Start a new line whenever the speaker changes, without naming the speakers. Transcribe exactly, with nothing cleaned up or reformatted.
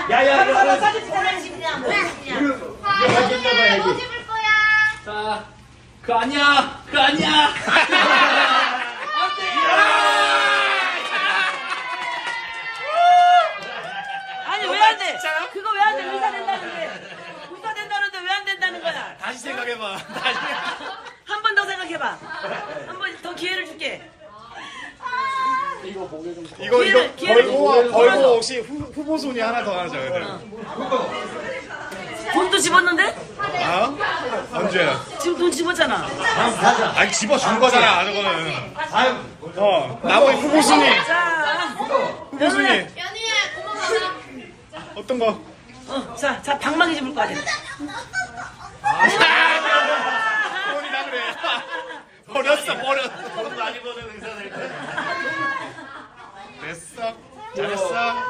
야야
바로 바로
이거
사진 찍자.
뭐야 뭐야
이거 가졌나 봐
뭐
여기.
집을 거야
자, 그 아니야, 그 아니야.
아니 왜 안 돼? 그거 왜 안 돼? 의사 된다는데. 의사 된다는데 왜 안 된다는 거야?
다시 생각해봐. 다시.
한 번 더 생각해봐. 한 번 더 기회를 줄게.
이거 목에 좀.
이거
기회를-
이거
기회를
벌고
줘.
벌고 혹시 후, 후보 순위 하나 더 하자 그냥.
돈도 집었는데?
아? 언제?
지금 돈 집었잖아.
아니 집어준 거잖아 저거는.
아유.
어 나머지 후보 순위
자,
후보 순위
연희야 고마워
어떤 거?
어, 자, 자, 방망이 집을 거 아니야.
돈이다 그래. 버렸어 버렸어.
돈 많이 버는 의사들.
됐어 잘했어.